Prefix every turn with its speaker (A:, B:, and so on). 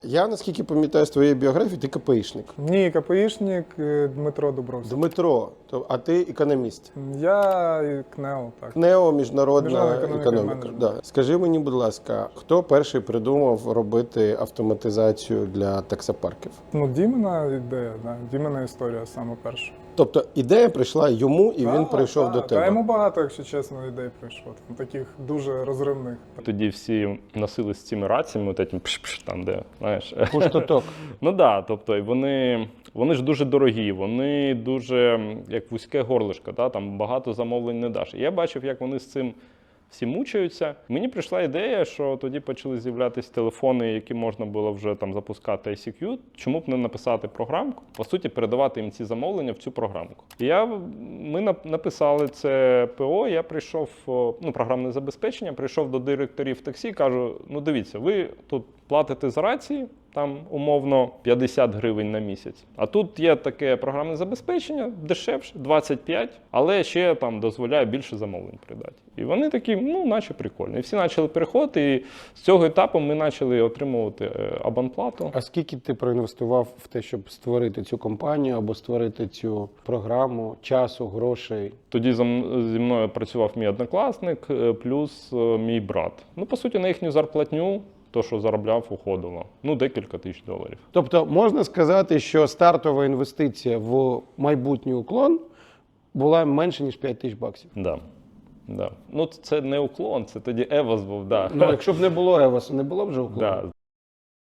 A: Я, наскільки пам'ятаю з твоєї біографії, ти КПІшник.
B: Ні, КПІшник Дмитро Дубровський.
A: Дмитро, а ти економіст.
B: Я і КНЕО, так.
A: КНЕО, міжнародна
B: Міжнародна економіка,
A: економіка. Да. Скажи мені, будь ласка, хто перший придумав робити автоматизацію для таксопарків?
B: Ну, Дімина ідея, да. Дімина історія саме перша.
A: Тобто ідея прийшла йому, і він прийшов до тебе.
B: Та йому багато, якщо чесно, ідей прийшло. Таких дуже розривних.
C: Тоді всі носили з цими раціями, от этим пш-пш, там, де, знаєш.
A: Пуштоток.
C: Ну так, да, тобто і вони ж дуже дорогі, вони дуже, як вузьке горлишко, да, там багато замовлень не даш. І я бачив, як вони з цим всі мучаються. Мені прийшла ідея, що тоді почали з'являтися телефони, які можна було вже там запускати ICQ. Чому б не написати програмку? По суті, передавати їм ці замовлення в цю програмку. І ми написали це ПО, я прийшов, програмне забезпечення, прийшов до директорів таксі, кажу, ну дивіться, ви тут платите за рації, там умовно 50 гривень на місяць. А тут є таке програмне забезпечення, дешевше, 25, але ще там дозволяє більше замовлень придати. І вони такі, наче прикольно. І всі почали переходити, і з цього етапу ми почали отримувати абонплату.
A: А скільки ти проінвестував в те, щоб створити цю компанію або створити цю програму, часу, грошей?
C: Тоді зі мною працював мій однокласник, плюс мій брат. По суті, на їхню зарплатню, то, що заробляв, уходило. Декілька тисяч доларів.
A: Тобто можна сказати, що стартова інвестиція в майбутній уклон була менше, ніж 5 тисяч баксів?
C: Да. Да. Це не уклон, це тоді Евос був, да.
A: Якщо б не було Евосу, не було б вже уклону?
C: Да.